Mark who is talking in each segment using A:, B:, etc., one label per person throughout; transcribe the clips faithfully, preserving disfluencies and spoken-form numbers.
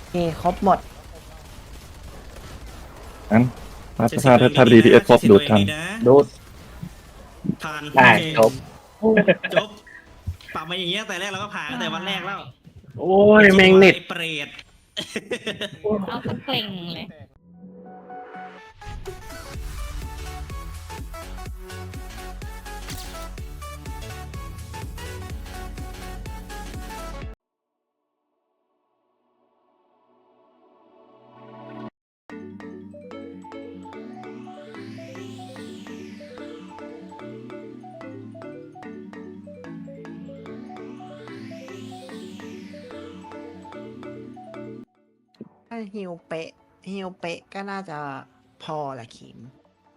A: มีครบหมด
B: งั้นถ้า
C: ใช้
B: ถ้า
C: สิทธิ์ตัว
B: ถ้า
C: เอง
B: ถ้า
C: ดี
B: ดี
C: ๆ
B: พี เอส ครบ
C: นะใช้สิทธิ์
B: ดู
C: ตั
B: ด
C: วเอง
B: ทัน
C: ดีนะ
A: ดูด
C: ผ่าน
D: ได้
C: โอเค
D: จบ
C: จบปรับมาอย่างเงี้ยแต่แรกเราก็ผ่านตั้งแต่วันแรกแล้ว
D: โอ้ยแมงเน็ต
C: ไอ้เปรต
E: เอาสักเกล่งเลย
A: ถ้าฮิวเป๊ะฮิวเป๊ะก็น่าจะพอแหละคิม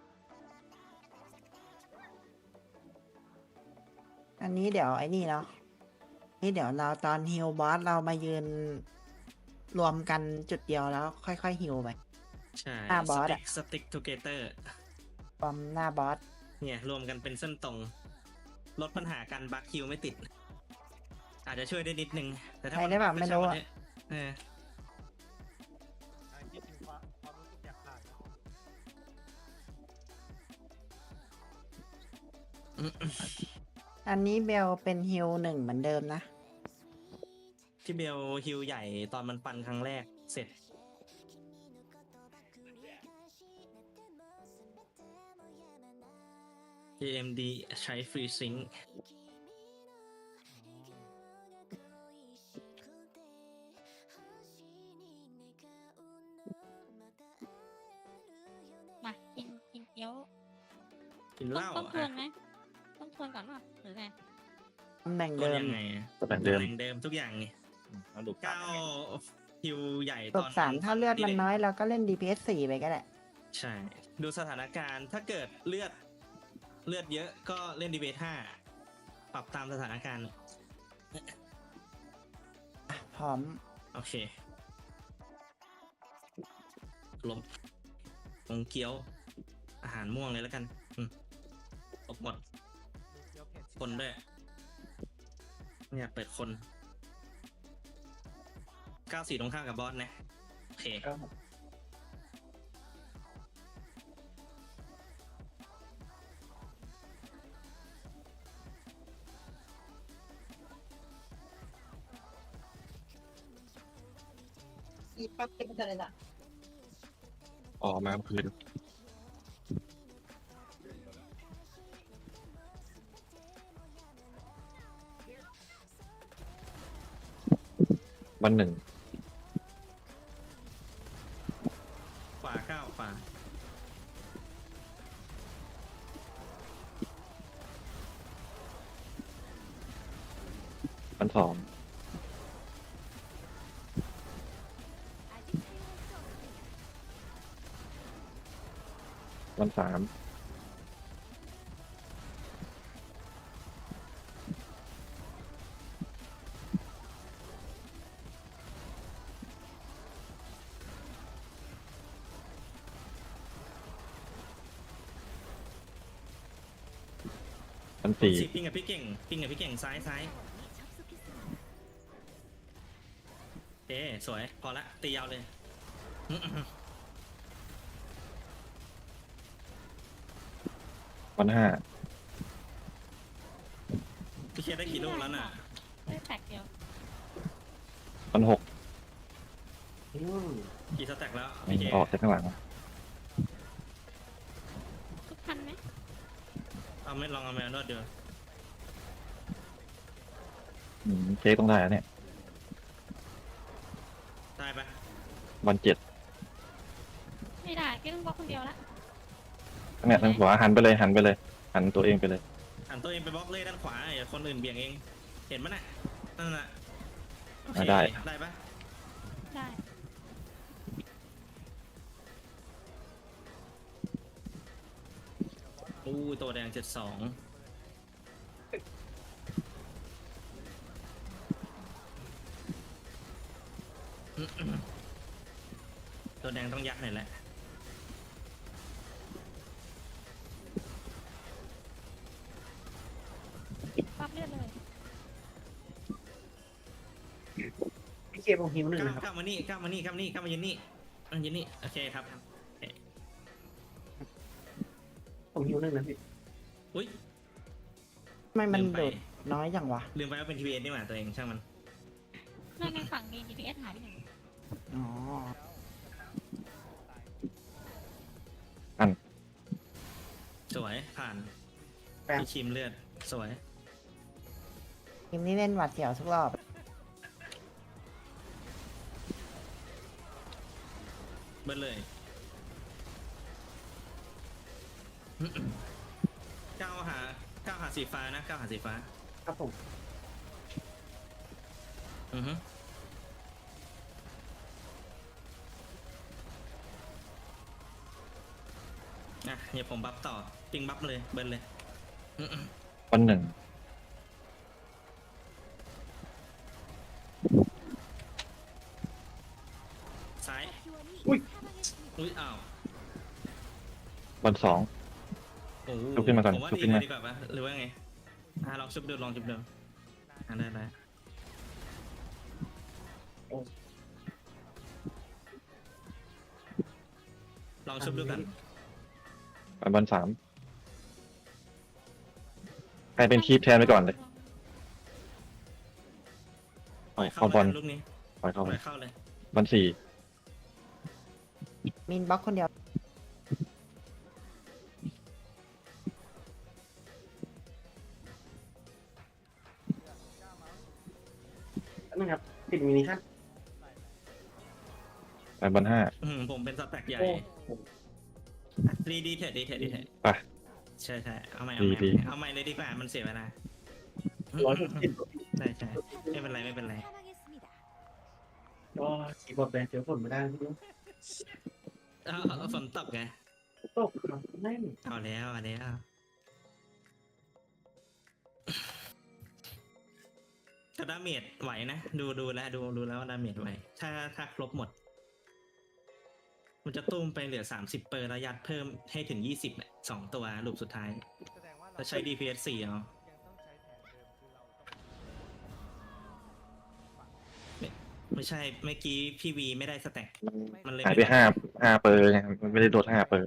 A: อันนี้เดี๋ยวไอ้นี่เนาะนี่เดี๋ยวเราตอนฮิวบอสเรามายืน รวมกันจุดเดียวแล้วค่อยๆฮิวไป
C: ใช่
A: หน้าบอสอะ
C: สติ๊กทูเกเตอร์
A: รวมหน้าบอส
C: เนี่ยรวมกันเป็นเส้นตรง ลดปัญหาการบัคคิวไม่ติด อาจจะช่วยได้นิดนึง แต่ถ้า
A: ใครได้แบบไม่รู้อะ
C: เออ
A: อันนี้เบลเป็นฮิวหนึ่งเหมือนเดิมนะ
C: ที่เบลฮิวใหญ่ตอนมันปันครั้งแรกเสร็จ เอ เอ็ม ดี ใช้ฟรีซิงค์
E: มากินกินเกี๊ยว
C: กิน
E: ต้
C: เห
E: อง
C: ล้า
E: ต้องทว
C: อ่ะ
E: นไหมต้องทวนก่อนป่ะหรือไง
A: ตำแหน่ง
C: ตัว
A: เดิม
C: ยังไงอะ
B: ตำแหน่งเดิม
C: ตำแหน่งเดิมทุกอย่างไง
B: เอาดู
C: เก้าฮิวใหญ่
A: ต
C: ต
A: บ
C: อน
A: สามถ้าเลือดมันน้อยเราก็เล่น ดี พี เอส สี่ไปก็ได้
C: ใช่ ดูสถานการณ์ถ้าเกิดเลือดเลือดเยอะก็เล่นดีเบทห้าปรับตามสถานการณ์
A: พร้อม
C: โอเคลมลงเกี๊ยว อาหารม่วงเลยแล้วกันอืมตกหมด คนด้วยเนี่ยเปิดคนเก้าสี่ตรงข้ามกับบอสนะ โอเค
A: อีปั๊บเป็นอะไรล่ะ
B: ออกมาเมื่อคืนวันหนึ่ง
C: ขวาเก้าขวา
B: วันสองวันสามวันสี่
C: สิปิ้งกับพี่เก่งปิ้งกับพี่เก่งซ้ายซ้ายเอ๊สวย พอละ ตียาวเลย
B: วันห้า
C: พี่เคได้กี่ลูกแล้วน่ะ
E: ได้แตกเดียว
B: วันหก
C: กี่สแต็กแล้วพี่เค
B: ออกจากข้างหลัง
E: ทุกพันไหม
C: เอาไม่ลองเอาแมวนวดดู
B: อืมเจ๊ต้องได้แล้วเนี่ย
C: ได้ปะ
B: วันเจ็ด
E: ไม่ได้แค่ต้องบล็อกคนเดียวละ
B: เนี่ยทางขวาหันไปเลยหันไปเลย หันตัวเองไปเลย
C: หันตัวเองไปบล็อกเลยด้านขวาอย่าคนอื่นเบี่ยงเอง เห็นมั้ยน่ะนั่นน่ะโอเค
B: อ่ะได้
C: ได้ปะ
E: ได้
C: อู้ตัวแดงเจ็ดสองตัวแดงต้องยักหน่อยแหละ
E: ปั๊บเลือดเลย
A: พี่เค
D: มผมหิวหนึ่ง
C: ก้าว
D: นะครับ
C: ก้าวมานี่ก้าวมานี่ก้าวมานี่ก้าวมายืนนี่มายืนนี่โอเคครับโอเค
D: ผมหิวหนึ่งนะพี่
C: อุ้ย
A: ทำไมมัน
C: ลืมไป
A: โดดน้อยจังวะ
C: ลืมไปว่าเป็นทีวีเอสนี่หว่าตัวเองช่างมัน
E: นั่นในฝั่งมี จี พี เอส หายไปหนึ่ง
A: อ๋อ
C: สวยผ่าน
D: แป๊บ
C: พี่ชิมเลือดสวย
A: ทีมนี้เล่นหวัดเสียวทุกรอบ
C: เบิ้ลเลยก้าวหาก้าวหาสีฟ้านะก้าวหาสีฟ้า
D: ครับผม
C: อือฮึอ่ะเดี๋ยวผมบัฟต่อปิงบัฟเลยเบิ้ลเลยอื้อหือ
B: วันหนึ่ง
C: ซ้าย
D: อุ้ย
C: อุ้ยอ้าว
B: วันสอง
C: โอ้โห
B: ลุกขึ้นมาก่อน
C: ผมว่า
B: ลุก
C: ดี
B: ขึ้น
C: เล
B: มา
C: ยดีกว่าปะหรือว่าไงอ่ะลองชุบดูลองชุบดูอ่ะได้ได้ลองชุบดูกัน
B: ไปวันสามใครเป็นคีปแทนไปก่อนเลยปล่อยเข้าบอล
C: ลูกนี้
B: ปล่อยเข้า
C: ป
B: ไป
C: ล่อยเข้าเลย
B: วันสี่
A: มินบล็อกคนเดียว
D: นั่นครับปิดมินิขั้น
B: ไปวันห้า
C: อืมผมเป็นสแต็กใหญ่
D: โอ้ผม
C: ดีดีเทดดีเทดดีเทด
B: ไป
C: ใช่ใช่เอาใหม่เอาใหม่
B: ดี
C: เอาใหม่เลยดีกว่ามันเสียเวลา
D: ร้อยหกสิบ
C: ใช่ใช่ไม่เป็นไรไม่เป็นไร
D: ก็สีบอดแบนเจอฝนไม่ได้พี่
C: เอาเอาเอาฝนตกไง
D: ตกครับแน่น
C: เอาแล้วเอาแล้วแต่ดาเมจไหวนะดูดูแล้วดูดูแล้วว่าดาเมจไหวถ้าถ้าครบหมด มันจะตุ้มไปเหลือสามสิบเปอร์ระยัดเพิ่มให้ถึงยี่สิบเนี่ยสองตัวลูกสุดท้ายจะใช้ ดี พี เอส สี่เอาไม่ไม่ใช่เมื่อกี้พี่วีไม่ได้สแต็กมันเลย
B: หายไปห้าห้าเปอร์ไงมันไม่ได้โดดห้าเปอร์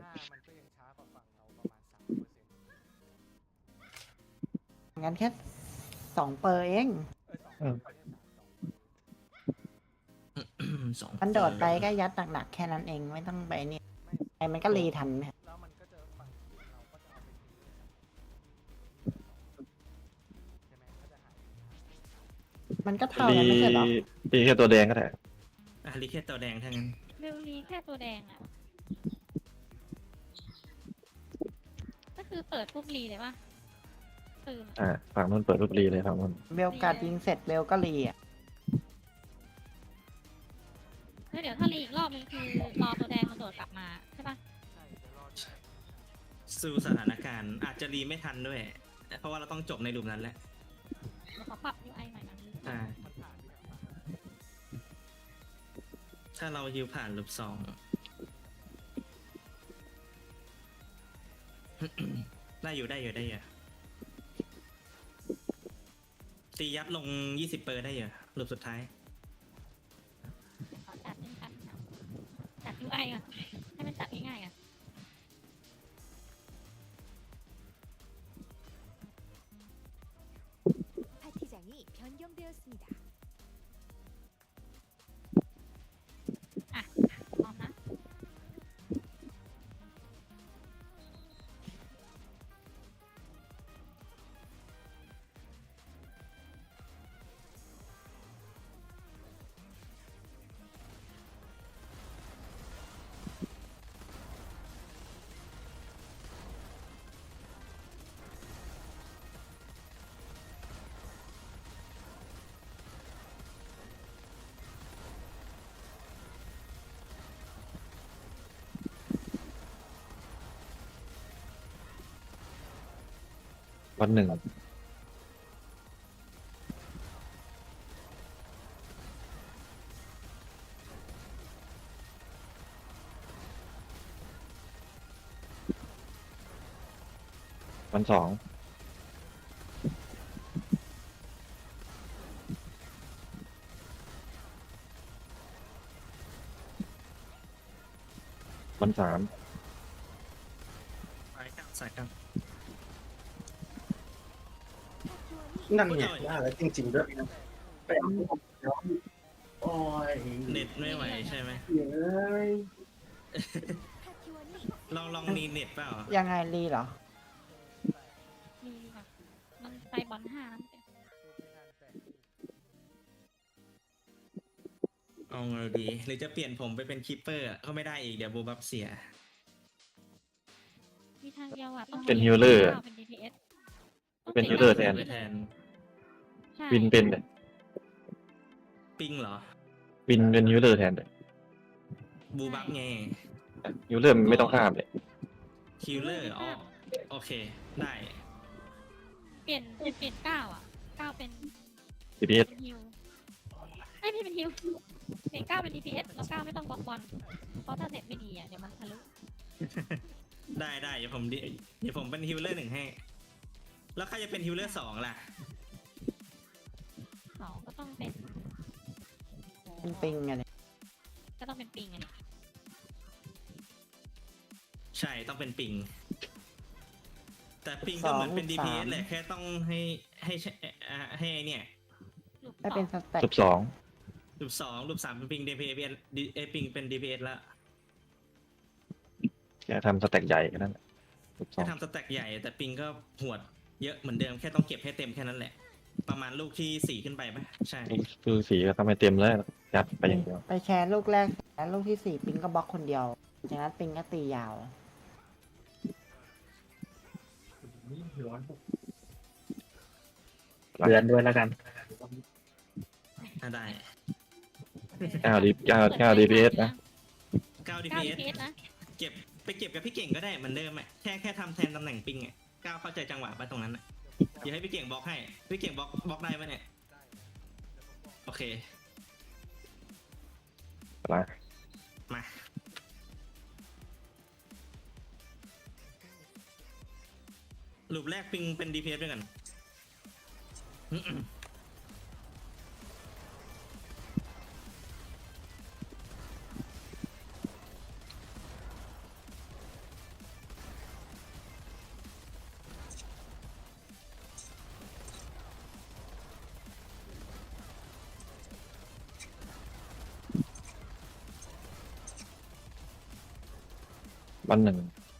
A: งั้นแค่สองเปอร์เอง
C: สอง
A: มันโดดไปก็ยัดหนักๆแค่นั้นเองไม่ต้องไปนี่ไอ้มันก็รีทันเนี่ยมันก็เท่า
B: รี
A: กันไม่ใช่เหรอ
B: รีแค่ตัวแดงก็ได้
C: อ่ะลิเคตตัวแดงทั้งนั้น
E: เบลลีแค่ตัวแดงอ่ะ ก็คือเปิดปุ๊บรีเลยป่ะตื่น
B: อ่าฝั่งนู้นเปิดรูปรีเลยฝั่งนู้น
A: เบลการดยิงเสร็จเบลก็รีอ่ะ
E: แล้วเดี๋ยวถ้ารีอีกรอบนึงคือรอตัวแดงมันโดดกลับมาใช่ป่ะ
C: สู้สถานการณ์อาจจะรีไม่ทันด้วย เพราะว่าเราต้องจบในหลุมนั้นแหละ
E: เดี๋ยวขอปรับ ยู ไอ ใหม่นะ
C: อ่าถ้าเราฮิวผ่านหลุมสอง ได้อยู่ได้อยู่ได้อยู่ตียัดลงยี่สิบเปอร์ได้อยู่หลุมสุดท้าย
E: ขอจัดเป็นกันจัด ยู ไอ ก่อนให้มันจัดง่ายๆก่อน
F: 파티장이 변경되었습니다.
E: พร้อมนะ
B: วันหนึ่งวันสองวันสาม
C: สายกลางสายกลาง
D: นั่นไงว่าแล้วจริงๆด้วยนะไปเอาของย้อนโอ้ย
C: เน็ตไม่ไหวใช่ไหม
D: เฮ้ย
C: ลองลองมีเน็ตเปล่า
A: ยังไงรีเหรอ
E: มีแบบมันไปบอลห้าแล้ว
C: เอาไงดี หรือจะเปลี่ยนผมไปเป็นคีปเปอร์อะก็ไม่ได้อีกเดี๋ยวบูบับเสีย
E: มีทางเดียวอ่ะต้อง
B: เป็นฮิลเลอร์
E: เป็น ดี พี เอส
B: เป็นฮิลเลอร์แทน
C: ไปแทน
E: ใช่
B: วินเป็นเลย
C: ปิงเหรอ
B: วินเป็นยูเลอร์แทนเลย
C: บูบับไง
B: ยูเลอร์ไม่ต้องข้ามเลย
C: คิลเลอร์อ๋อโอเค ได้
E: เปลี่ยนเปลี่ยนเก้าอ่ะเก้าเป็น
B: ดีพีเอส
E: เป็นฮิลไม่ไม่เป็นฮิลเปลี่ยนเก้าเป็น ดี พี เอส แล้วเก้าไม่ต้องบล็อกบอลเพราะถ้าเสร็จไม่ดีอ่ะเดี๋ยวมันทะลุ
C: ได้ได้เดี๋ยวผมดิเดี๋ยวผมเป็นฮิลเลอร์หนึ่งให้ แล้วใครจะเป็นฮิลเลอร์สองล่ะ
E: สองก็ต้องเป็น
A: เป็นปิงไงเนี่ย
E: ก็ต้องเป็นปิงไง
C: ใช่ต้องเป็นปิง แต่ปิงก็เหมือนเป็น ดี พี เอส แหละแค่ต้องให้ให้ใช้อ่าให้ไอ้เนี่ย
E: ลูก
A: ได้
E: สอ
A: เป็น
E: ง
A: สแต็ก
B: จบสอง
C: รูปสองรูปสามเป็นปิง ดี พี เอส ดีเอปิงเป็น ดี พี เอส แล้ว
B: แค่ทำสแต็กใหญ่กันนั่นแหละจบสอ
C: แค่
B: ง
C: ทำสแต็กใหญ่ แต่ปิงก็หวดเยอะเหมือนเดิมแค่ต้องเก็บให้เต็มแค่นั้นแหละ ประมาณลูกที่สี่ขึ้นไปไหมใช่
B: คือสีก็ทำให้เต็มแล้วยัดไปอย่างเดียว
A: ไปแชร์ลูกแรกแล้วลูกที่สี่ปิงก็บล็อกคนเดียว จากนั้นปิงก็ตียาว
D: ร้อน
B: เดือน
D: ด้วยแล้วกัน
C: ถ้าได้
B: เก้าดีเก้าเก้าดีพีเอสนะ
C: เก้า
E: เก้า
C: ดี
E: ดี
C: พี
E: พี
C: เอ
E: เอ
C: ส
E: สนะ
C: เก็บไปเก็บกับพี่เก่งก็ได้เหมือนเดิมอ่ะแค่แค่ทำแทนตำแหน่งปิงอ่ะก้าวเข้าใจจังหวะไปตรงนั้นอ่ะเดี๋ยวให้พี่เก่งบล็อกให้พี่เก่งบล็อกบล็อกได้ไหมเนี่ยโอเค
B: อะไร
C: มาลูปแรกปิงเป็น ดี พี เอส ด้วยกัน
B: วันหนึ่ง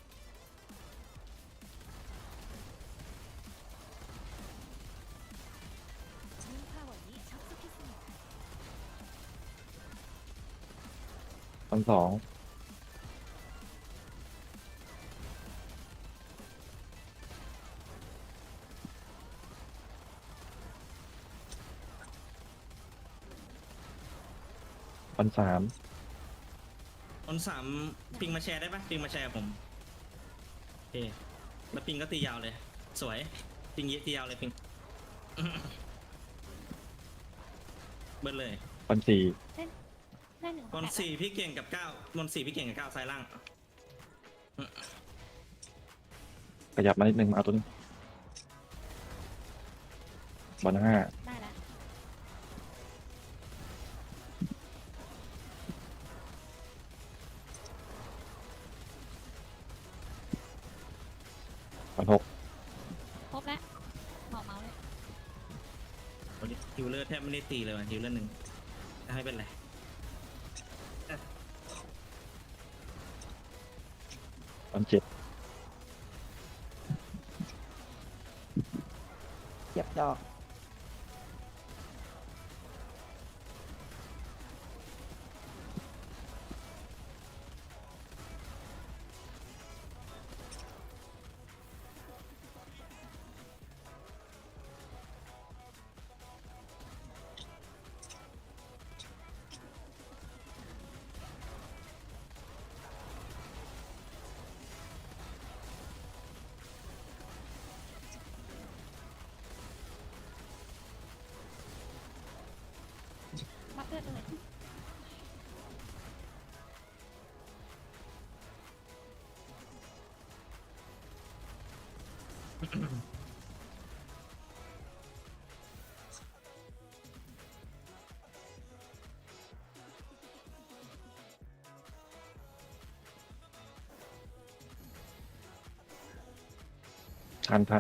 F: 진 파원이 접속했습니다.
B: วันสองวันสาม
C: คนสามปิงมาแชร์ได้ปะปิงมาแชร์กับผมโอเคแล้วปิงก็ตียาวเลย สวยปิงเยอะตียาวเลยปิง เบิ้ลเลย
B: วันสี่
E: ได้หนึ่ง
C: บอลสี่พี่เก่งกับเก้าบอลสี่พี่เก่งกับเก้าซ้ายล่าง
B: ขยับมานิดนึงมาเอาตัวนี้วันห้า
E: ได้แล้ว
B: วันหก
E: ครบแล้วหมอเมาส์เลย
C: วันนี้ฮิวเลอร์แทบไม่ได้ตีเลยว่ะฮิวเลอร์หนึ่งไม่เป็นไร
B: วันเจ็ด
A: เก็บดอก
E: มาเพื่อนเลย
B: ทันทัน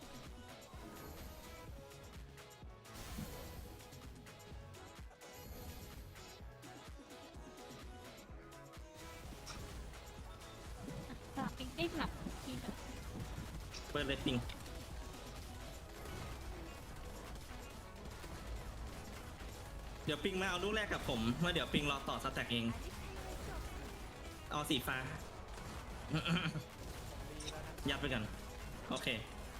E: สลับปิงได้สลับทีมแบบ
C: เปิดเลยปิงเดี๋ยวปิงมาเอาลูกแรกกับผมเมื่อเดี๋ยวปิงรอต่อสแต็กเอง เอาสีฟ้า ยัดไปกัน โอเค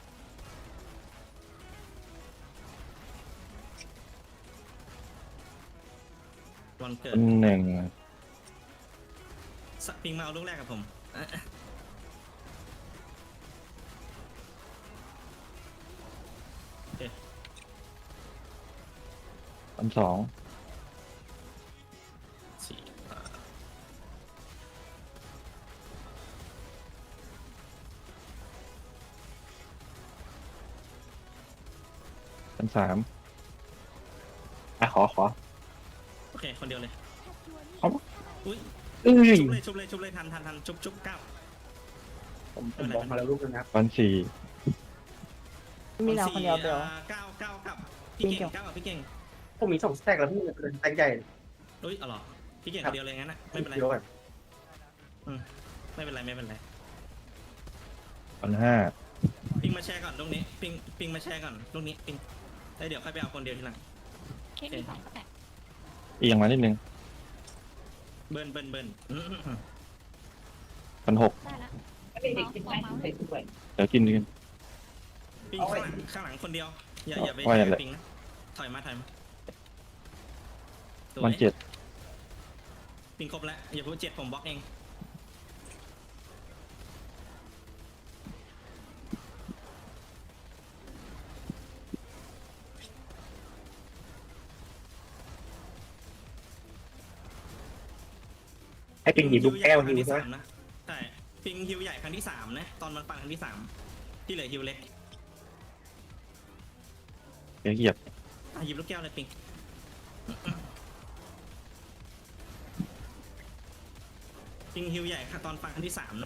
C: วันเกิด
B: หนึ่ง
C: สปิงมาเอาลูกแรกกับผม โอเค
B: วันสอง
C: สี่อ่า
B: วันสามอ่ะขอขอ
C: โอเค คนเดียวเลย
B: เอา
C: อุ้ย
B: เอ้ย
C: ชุบเลยชุบเลยชุบเลยทันทันทันชุบชุบเก้า
D: ผมผมบอกมาแล้วลูกนึงนะครับ
B: วันสี่
A: มีเราคนเดียวเบล
C: อ่าเก้าเก้ากับพี่
A: มี
C: เก่ง
A: เกี่ยว
C: เก้ากับพี่เก่ง
D: ผมมีสองสแต็กแล้วพี่มันเป็นสแต็กใหญ่
C: อุ้ยเอาเหรอพี่เก่ง
D: ครั
C: ค
D: บ
C: นเดียวเลยงั้นนะไม่เป็นไร
D: เดียวกัน
C: ไม่เป็นไรไม่เป็นไร
B: วันห้า
C: ปิงมาแชร์ก่อนลูกนี้ปิงปิงมาแชร์ก่อนลูกนี้ปิงแล้วเดี๋ยวค่อยไปเอาคนเดียวทีหลัง
E: เค้กมีสองสแต็ก
B: เอียงมานิดนึง
C: เบิร์นเบิร์นเบิร์นอื้อหือ
B: วันหก
E: ได้ละเมาส์วางเมาส์เลย
B: เดี๋ยวกินกัน
C: ปิงข้างหลังข้างหลังคนเดียวอย่าอย่าไป
B: ว่า
C: แช
B: อย่างไร
C: ร์ปิงนะถอยมาถอยมาสย
B: วันเจ็ด
C: ปิงครบแล้วอย่าพูดเจ็ดผมบล็อกเอง
D: ให้เป็นหยิบลูกแก้ว
C: ครั้
D: ฮิ
C: ง
D: ว
C: ที่
D: ใช่ไหม
C: สามนะใช่ปิงฮิวใหญ่ครั้งที่สามนะตอนมันปังครั้งที่สามที่เหลือฮิวเล็ก
B: เดี๋ยวเหยียบ
C: อ่ะหยิบลูกแก้วเลยปิงปิงฮิวใหญ่ค่ะตอนปังครั้งที่สามนะ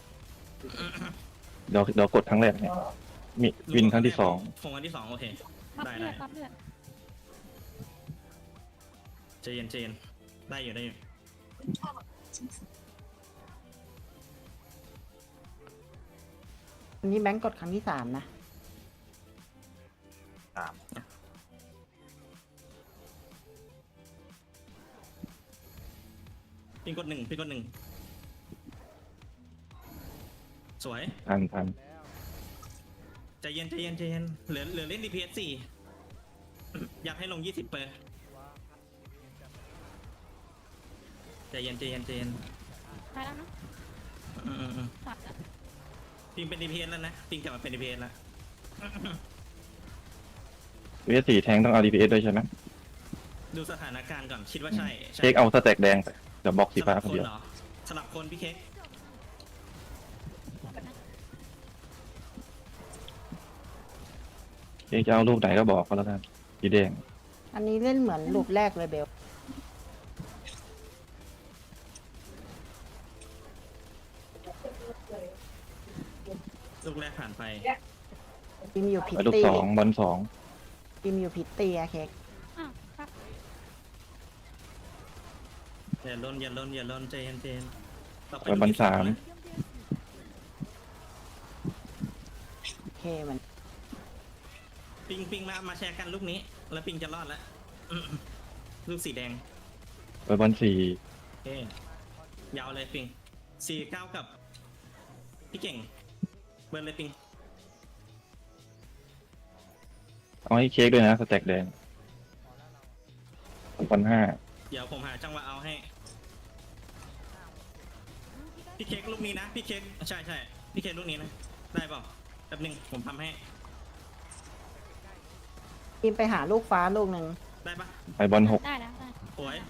B: เดี๋ยวเดี๋ยวกดครั้งแรกเนี่ยมีวินครั้งที่สอง
C: ผมครั้งที่สองโอเค
E: ปั๊บ
C: ได้
E: เลือ
C: ได้
E: ดปั๊บเลือด
C: ใจเย็นใจเย็นได้อยู่ได้อยู่
A: อันนี้แบงก์กดครั้งที่สามนะ
C: ปิงกดหนึ่งปิงกดหนึ่งสวย
B: ทันทัน
C: ใจเย็นใจเย็นใจเย็นเหลือเหลือเล่น ดี พี เอส สี่ อยากให้ลงยี่สิบเปอร์ใจเย็นใจเย็นใจเย็น
E: ได้แล้วเนาะ
C: อืมอืมอืม
E: สับแล้ว
C: ปิงเป็น ดี พี เอส แล้วนะปิงกลับมาเป็น ดี พี เอส แล้ว
B: วีสี่แทงต้องเอา ดี พี เอส ด้วยใช่ไหม
C: ดูสถานการณ์ก่อนคิดว่าใช่ใช่
B: เค้กเอาสแต็กแดงไปเดี๋ยวบล็อกสี
C: ส
B: ฟ้า
C: ลับ
B: คน
C: คน
B: เดียว
C: เหรอสลับคนพี่เค้ก
B: เค้กจะเอาลูกไหนก็บอกก็แล้วกันสีแดง
A: อันนี้เล่นเหมือนลูปแรกเลยเบล
C: ลูกแรกผ่านไป
A: ทีมอยู่พิต
B: ไปลูก
A: ตี้
B: สองบอลสอง
A: ทีมอยู่พิตตี้อะเค้ก
E: อ้าวปั๊บ
C: อย่าล้นอย่าล้นอย่าล้นใจเย็นใจเย็นต่อไป
B: ไปบอลสาม
A: โอเคมัน
C: ปิงปิงมามาแชร์กันลูกนี้ แล้วปิงจะรอดแล้วอืมลูกสีแดง
B: ไปบอลสี่
C: โอเคยาวเลยปิงสี่เก้ากับ พี่เก่ง เบิร์นเลยปิง
B: เอาให้เค้กด้วยนะสแต็กแดงบอลห้า
C: เดี๋ยวผมหาจังหวะเอาให้ พี่เค้กลูกนี้นะ พี่เค้กใช่ใช่พี่เค้กลูกนี้นะ ได้เปล่าแป๊บหนึงผมทำให้
A: ทีมไปหาลูกฟ้าลูกหนึ่ง
C: ได้ปะ
B: ไปบอลหก
E: ได้แล้วได้
C: สวย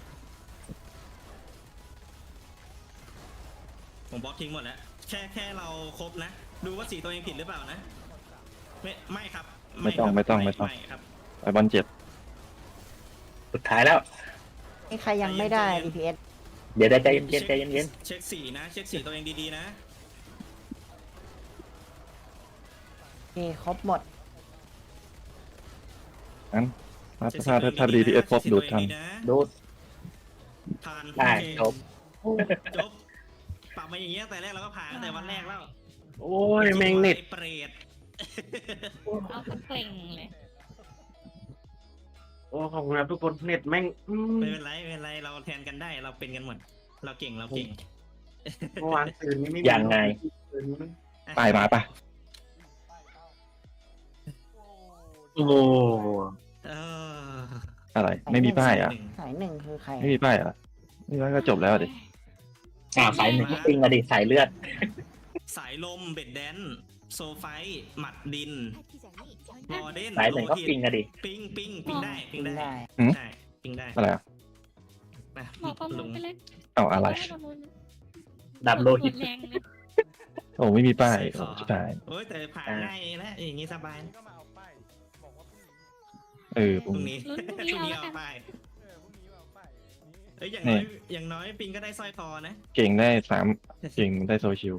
C: ผมบล็อกทิ้งหมดแล้ว แค่แค่เราครบนะ ดูว่าสีตัวเองผิดหรือเปล่านะ ไม่ไม่ครับ
B: ไม่ต้อง
C: ครับ
B: ไม่ต้องไม่ต้อง
C: ไม่ครับ
B: ไปบอลเจ็ด
D: สุดท้ายแล้ว
A: นี่ใครยังไม่ได้ ดี พี เอส
D: เดี๋ยวได้ใจเย็นๆใจเย็น
C: เช็คสีนะ เช็คสีตัวเองดีๆนะ
A: ครบหมด
B: งั้นถ้าถ้าถ้าถ้าดีพีเอสครบดูดทัน
D: ดูด
C: ผ่าน
D: ได้จบ
C: จบปรับมาอย่างเงี้ยแต่แรกเราก็ผ่านตั้งแต่วันแรกแล้ว
D: โอ้ยแมงเน็ต
C: ไอ้เปรต
E: เอาสักเกล่งเลย
D: โอ้ขอบคุณครับทุกคนเน็ตแม่งอืม
C: ไม่เป็นไรไม่เป็นไรเราแทนกันได้เราเป็นกันหมด เราเก่งเราเก่ง
D: เมื่อวานตื่นนี่ไม่มี
G: ยังไง
D: ตื่นนี่
B: ป้ายมาปะ
D: โอ้โห
C: เออ
B: อะไร ไม่มีป้ายอ่ะ
A: สายหนึ่งคือใคร
B: ไม่มีป้ายอ่ะนี่มันก็จบแล้วดิ
G: อ่าสายหนึ่งก็ปิงมาดิสายเลือด
C: สายลมเบ็ดแดนโซไฟท์หมัดดิน
F: 파티장이
C: มอ
F: 전장
C: เดน
G: สายหนึ่งก็ปิงอะดิ
C: ปิงปิงปิงได้ปิงได้
A: ได้
C: ใช่ปิงได้
B: อะไรอ่ะ
C: นะ
E: บอกประมู
C: ลุ
E: ล
C: ง
E: ไปเลย
B: เอาอะไร
E: ให้ประมูล
G: ดับโลหิต
E: แรงเลย
B: โอ้ไม่มีป้าย
C: ใส่ข
B: โอ้
C: อ
B: สุดท้าย
C: โอ้ยแต่ผ่านง่ายแล้วอย่างงี้สบาย
B: เออ
C: พ
B: พรุ่ง
C: รุ่ง
B: นี้
C: นี้
E: ลุ้นพ
C: พ
E: รุ่
C: รุ่
E: ง
C: ง
E: นี้
C: นี้
E: เอา
C: เอา
E: แล้ว
C: ไป
E: กัน
C: เอ้ยอย่างน้อยอย่างน้อยปิงก็ได้สร้อยคอนะ
B: เก่งได้สามเก่งได้โซชิล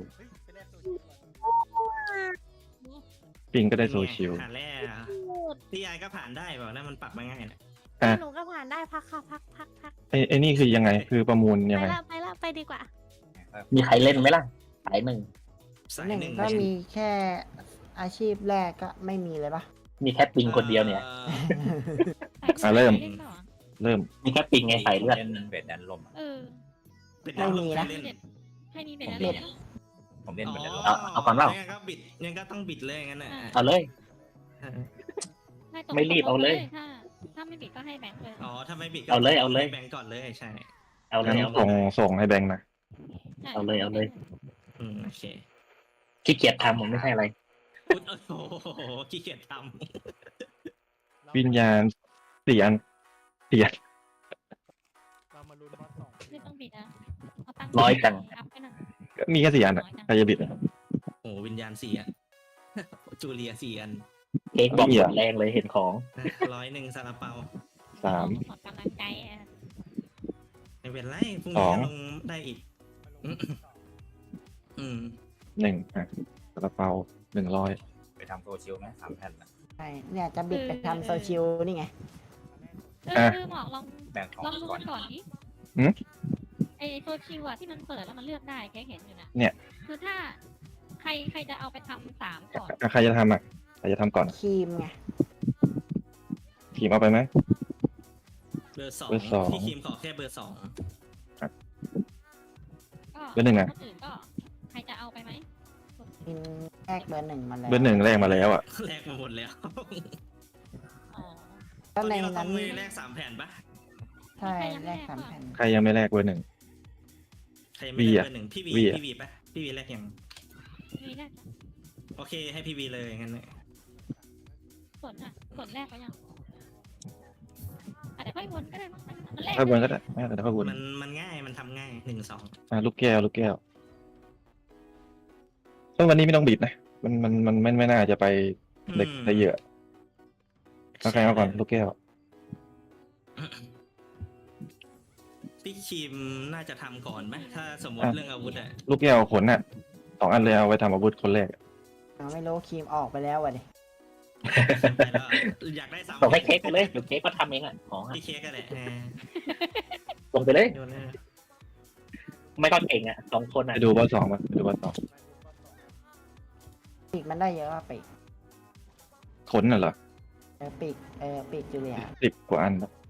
B: ปิงก็ได้โซชิล
C: ผ่านแล้วพี่ไอก็ผ่านได้เปล่านะมันปรับมาง่ายนะ
B: อ่ะ
H: หนูก็ผ่านได้พักค่ะพักพักพัก
B: ไอ้ไอ้นี่คือยังไง คือประมูลยัง
H: ไป
B: ไง
H: ละไปละไปดีกว่า
G: มีใครเล่นไหมล่ะ สายหนึ่ง
C: สาย
A: หนึ่ง
C: หนึ่ง
A: ก็มีแค่อาชีพแรกก็ไม่มีเลยปะ
G: มีแค่ปิงคนเดียวเนี่ย
C: อ่อ
B: อ่ะเริ่ม
E: ล่นต่อ
B: เริ่ม
G: มีแค่ปิงไงสายเลือด
I: เล่นเวทแดนลมอะ
E: เออ
C: เป็นดาวลงให้เล่น
E: ให้มีเป็น
G: ผม
E: อะไร
G: เล่น
E: นะ
I: ผมเล่นเวทแดนลม
G: เอาเอาก่อนเปล่า
C: งั้นก็บิดงั้นก็ต้องบิดเลยงั้นน่ะ
G: เอาเลย
E: ให้ตก
G: ไม่รีบเอาเลย
E: ถ้าถ้าไม่บิดก็ให้แบงค์เลย
C: อ๋อถ้าไม่บิดก็
G: เอาเลยเอาเลย
C: แบงก์ก่อนเลยใช่
G: เอาเล
B: งั้
G: ย
B: น
G: เอาเล
B: ส่ง
G: ย
B: ส่งให้แบงค์นะ
E: ใช่
G: เอาเลยเอาเลย
C: อืมโอเค
G: ขี้เกียจทำผมไม่ใช่อะไร
C: อุ๊ยโอ้โหขี้เกียจท
B: วิญญาณเสียนเสียน
E: ไม่ต้องบิดนะเอาตังค์
G: ร้อยจัง
E: อัพไปหน่อย
B: ก็มีแค่สี่อันอ่ะใครจะบิดอ่ะ
C: ำโอ้โหวิญญาณสี่อัน จูเลียสี่อัน
G: เค้กบอก
B: ไม่มี
G: หม
B: อะ
G: ดแรงเลยเห็นของ
C: ร้อยหนึ่งซาลาเปา
B: สาม
E: ออกกำลังใจอ่ะ
C: ไม่เป็นไรพรุ่ง
B: ส
C: นี้
B: อง
C: ลงได้อีก อืม
B: หนึ่งอ่ะกระเป๋าหนึ่งร้อย
I: ไปทำโซเชียลไหมสามแผ่นน่ะ
A: ใช่เนี่ยจะบิดไปทำโซชิลนี่ไง
E: เออคือบอกลอง
I: แบ่งของ
E: ลองดู
I: ก่อ
E: มัน นก่อนดิ
B: หืม
E: ไอตัวคิวอะที่มันเปิดแล้วมันเลือกได้แกเห็นอยู่นะ
B: เนี่ย
E: คือถ้าใครใครจะเอาไปทำสามก่อน
B: อ่ะใครจะทำอ่ะใครจะทำก่อน
A: ครีมไง
B: ทีมเอาไปไหม
C: เบอร์สอง
B: เบอร์สอง
C: พี่คิมขอแค่เบอร์สอง
E: ก็
B: เบอร์หนึ่งอะ
E: คนอื่นก็ใครจะเอาไปไหม
A: กินแรกเบอร์หนึ่งมาแล้ว
B: เบอร์หนึ่งแรกมาแล้วอ่ะ
C: แลกมาหมดแล้ว
E: อ๋อ
C: ต
A: ก็
C: อน
A: ใน
C: นี้เราต้
A: นั้
C: อน งไปแลกสามแผ่นปะ
A: ใช่แรกสามแผ่น
B: ใครยังไม่แรกเบอร์หนึ่ง
C: ใครยังไม่แลก
B: วีอะ
C: เบอร์หนึ่งพี่วี
B: วีอะ
C: พี่วีปะพี่วีแลกยัง
E: มีแรก
C: โอเคให้พี่วีเลยงั้นเนี่ย
E: ส่วนอ่ะส่วนแรกก็ยังอาจจะค่อยวนก็ได้มั้งมันแรก
B: ถ้าวนก็ได้ไม่แต่ถ้าวน
C: มันมันง่ายมันทำง่ายหนึ่งสอง
B: อ่ะลูกแก้วลูกแก้วต้องวันนี้ไม่ต้องบิดนะมันมันมันไม่ไม่น่าจะไปเด็กได้เยอะเอาใครเอาก่อนลูกแก้ว
C: พี่คิมน่าจะทำก่อนไหมถ้าสมมติ
B: อ่ะ
C: เรื่องอาวุธอะ
B: ลูกแก้วขนน่ะสองอันเลยเอาไว้ทำอาวุธคนแรก
A: เราไม่รู้ครีมออกไปแล้ววะดิ
C: ไปแล้วอยากได้สาม
G: ส่งให้เค้กไปเลยเดี๋ยวเค้กก็ทำเองอ่ะของอะ
C: พี่เค้กกันแหละเออ
G: ส่งไปเลย
C: โยนเลย
G: ไม่ก็เก่งอ่ะสองคน
B: ไป
G: อ่ะ
B: ดูเบอร์สองมาไปดูเบอร์สอง
A: ปีกมันได้เยอะว่าปีก
B: ขนน่ะเหรอ
A: เออปีกเออปีกจูเลีย
B: สิบกว่าอันนะ